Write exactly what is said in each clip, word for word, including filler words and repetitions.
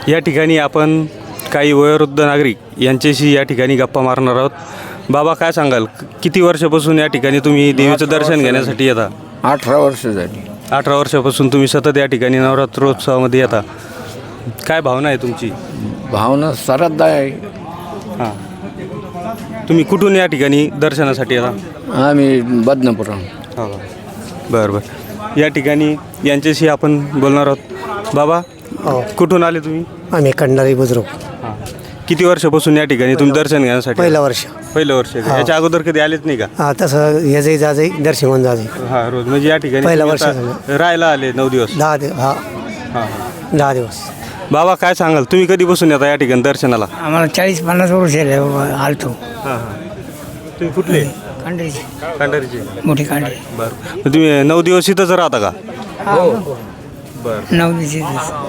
या ठिकाणी आपण काही वयोवृद्ध नागरिक यांच्याशी या ठिकाणी गप्पा मारणार आहोत. बाबा, काय सांगाल, किती वर्षापासून या ठिकाणी तुम्ही देवीचं दर्शन घेण्यासाठी येता? अठरा वर्ष झाली. अठरा वर्षापासून तुम्ही सतत या ठिकाणी नवरात्रोत्सवामध्ये येता. काय भावना आहे तुमची? भावना श्रद्धा आहे. हां, तुम्ही कुठून या ठिकाणी दर्शनासाठी येता? आम्ही बदनापूर. हो, बरं बरं. या ठिकाणी यांच्याशी आपण बोलणार आहोत. बाबा, हो, कुठून आले तुम्ही? आम्ही कंडारी बुजुर्ग. हां, किती वर्षापासून या ठिकाणी तुम्ही दर्शन घेण्यासाठी? पहिलं वर्ष. पहिलं वर्ष का? याच्या अगोदर कधी आलेच नाही का? हा, तसं याजही जाजही दर्शन होऊन जाजही हां, रोज म्हणजे या ठिकाणी पहिलं तुम्ही वर्ष आता झालं. राहायला आले नऊ दिवस? दहा दिवस. हा, हां हां. दहा दिवस. बाबा, काय सांगाल, तुम्ही कधीपासून येता या ठिकाणी दर्शनाला? आम्हाला चाळीस पन्नास वर्ष झाले आलतो. हां हां. तुम्ही कुठले? कांडरीची कांडारीचे. मोठी कांडरी. बरं, मग तुम्ही नऊ दिवस इथंच राहता का? हो, बरं. नऊ दिवशी.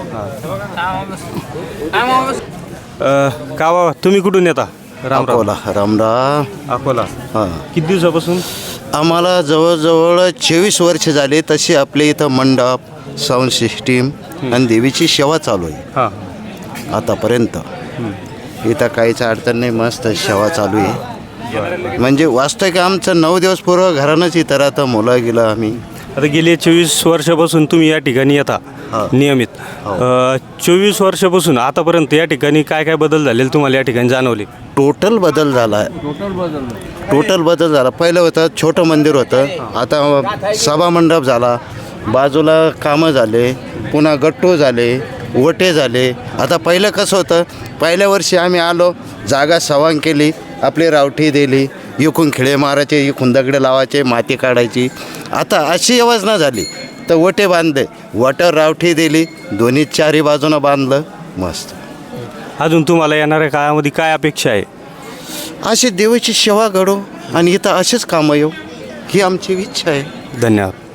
अ, का बाबा, तुम्ही कुठून येता? राम राम. अकोला रामराम. अकोला. हां, किती दिवसापासून? आम्हाला जवळजवळ चोवीस वर्ष झाले तशी आपल्या इथं मंडप, साऊंड सिस्टीम आणि देवीची सेवा चालू आहे हां आतापर्यंत. इथं काहीच अडचण नाही, मस्त सेवा चालू आहे. म्हणजे वास्तविक आमचं नऊ दिवस पूर्व घरानंच इथं राहतं, मुलं गेलं आम्ही. आता गेले चोवीस वर्षापासून तुम्ही या ठिकाणी येता हा. नियमित. हो. चोवीस वर्षापासून आतापर्यंत या ठिकाणी काय काय बदल झालेले तुम्हाला या ठिकाणी जाणवले? टोटल बदल झाला आहे. टोटल बदल झाला. पहिलं होतं छोटं मंदिर होतं, आता सभा मंडप झाला, बाजूला कामं झाले, पुन्हा गट्टू झाले, ओटे झाले. आता पहिलं कसं होतं, पहिल्या वर्षी आम्ही आलो, जागा सवांग केली, आपली रावठी दिली, इकून खिळे मारायचे, इकून दगडे लावायचे, माती काढायची. आता अशी योजना झाली तर ओटे बांधले, वटर रावठी दिली, दोन्ही चारी बाजूनं बांधलं, मस्त. अजून तुम्हाला येणाऱ्या काळामध्ये काय अपेक्षा आहे? अशी देवाची सेवा घडो आणि इथं असेच कामं येऊ, ही आमची इच्छा आहे. धन्यवाद.